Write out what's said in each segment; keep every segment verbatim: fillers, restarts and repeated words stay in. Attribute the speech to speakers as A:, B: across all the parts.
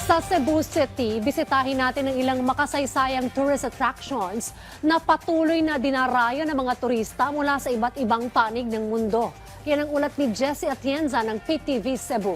A: Sa Cebu City, bisitahin natin ang ilang makasaysayang tourist attractions na patuloy na dinarayo ng mga turista mula sa iba't ibang panig ng mundo. Yan ang ulat ni Jessie Atienza ng P T V Cebu.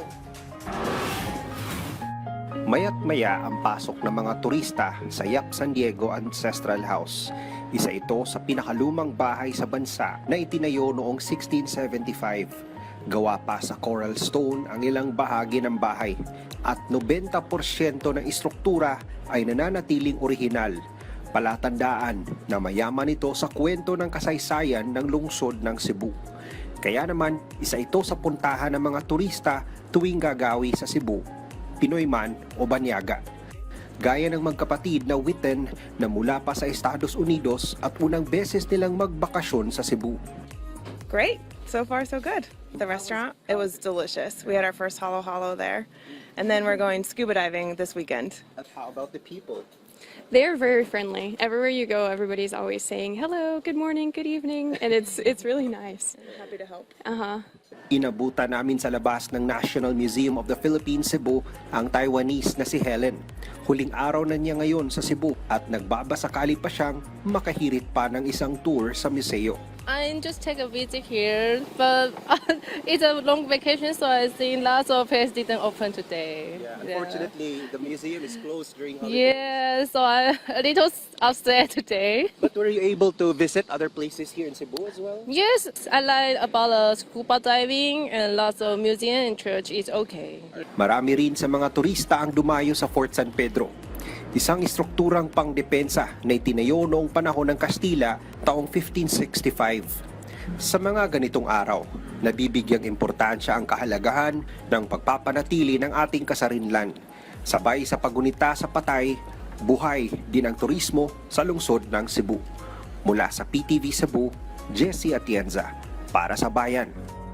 B: Maya't maya ang pasok ng mga turista sa Yap San Diego Ancestral House. Isa ito sa pinakalumang bahay sa bansa na itinayo noong sixteen seventy-five. Gawa pa sa coral stone ang ilang bahagi ng bahay at ninety percent ng istruktura ay nananatiling orihinal. Palatandaan na mayaman ito sa kwento ng kasaysayan ng lungsod ng Cebu. Kaya naman, isa ito sa puntahan ng mga turista tuwing gagawi sa Cebu, Pinoy man o Banyaga. Gaya ng magkapatid na Witten na mula pa sa Estados Unidos at unang beses nilang magbakasyon sa Cebu.
C: Great. So far, so good. The restaurant, it was delicious. We had our first halo halo there. And then we're going scuba diving this weekend.
B: How about the people?
D: They're very friendly. Everywhere you go, everybody's always saying hello, good morning, good evening, and it's it's really nice.
C: Happy to help.
D: Uh-huh.
B: Inabutan namin sa labas ng National Museum of the Philippines Cebu ang Taiwanese na si Helen. Huling araw na niya ngayon sa Cebu at nagbabasakali pa siyang makahirit pa ng isang tour sa museo.
E: I just take a visit here, but it's a long vacation, so I think lots of places didn't open today.
B: the museum is closed during
E: Yeah, so I'm a little upset today.
B: But were you able to visit other places here in Cebu as well?
E: Yes, I like about uh, scuba diving and lots of museum and church is okay.
B: Marami rin sa mga turista ang dumayo sa Fort San Pedro. Isang istrukturang pangdepensa na itinayo noong panahon ng Kastila taong fifteen sixty-five. Sa mga ganitong araw, nabibigyang importansya ang kahalagahan ng pagpapanatili ng ating kasarinlan. Sabay sa paggunita sa patay, buhay din ang turismo sa lungsod ng Cebu. Mula sa P T V Cebu, Jessie Atienza, para sa Bayan.